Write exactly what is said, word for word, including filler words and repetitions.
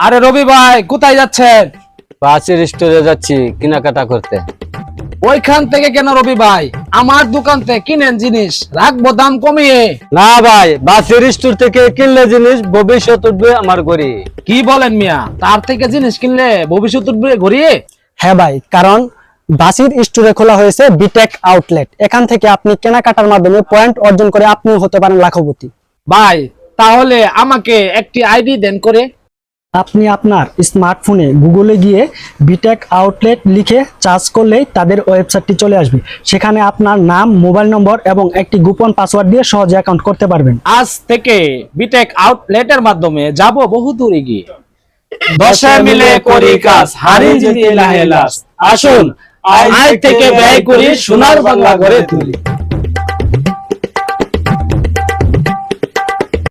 আরে রবি ভাই কোথায় যাচ্ছেন? বাসের স্টোরে যাচ্ছি কেনাকাটা করতে। ওইখান থেকে কেন রবি ভাই? আমার দোকান থেকে কিনেন জিনিস, রাখবো দাম কমিয়ে। না ভাই, বাসের স্টোর থেকে কিনলে জিনিস ভবিষ্যৎ উঠবে আমার ঘরে। কি বলেন মিয়া? তার থেকে জিনিস কিনলে ভবিষ্যৎ উঠবে ঘুরিয়ে? হ্যাঁ ভাই, কারণ বাসির স্টোরে খোলা হয়েছে বিটেক আউটলেট। এখান থেকে আপনি কেনাকাটার মাধ্যমে পয়েন্ট অর্জন করে আপনি হতে পারেন লাখপতি। ভাই তাহলে আমাকে একটি আইডি দেন করে। আপনি আপনার স্মার্টফোনে গুগলে গিয়ে বিটেক আউটলেট লিখে সার্চ করলেই তাদের ওয়েবসাইটটি চলে আসবে। সেখানে আপনার নাম, মোবাইল নম্বর এবং একটি গোপন পাসওয়ার্ড দিয়ে সহজে অ্যাকাউন্ট করতে পারবেন। আজ থেকে বিটেক আউটলেটের মাধ্যমে যাব বহু দূরে গিয়ে। দশে মিলে করি কাজ, হারি জিতি লাহে লাস। আসুন আজ থেকে ব্যয় করি সোনার বাংলা গড়ে তুলি।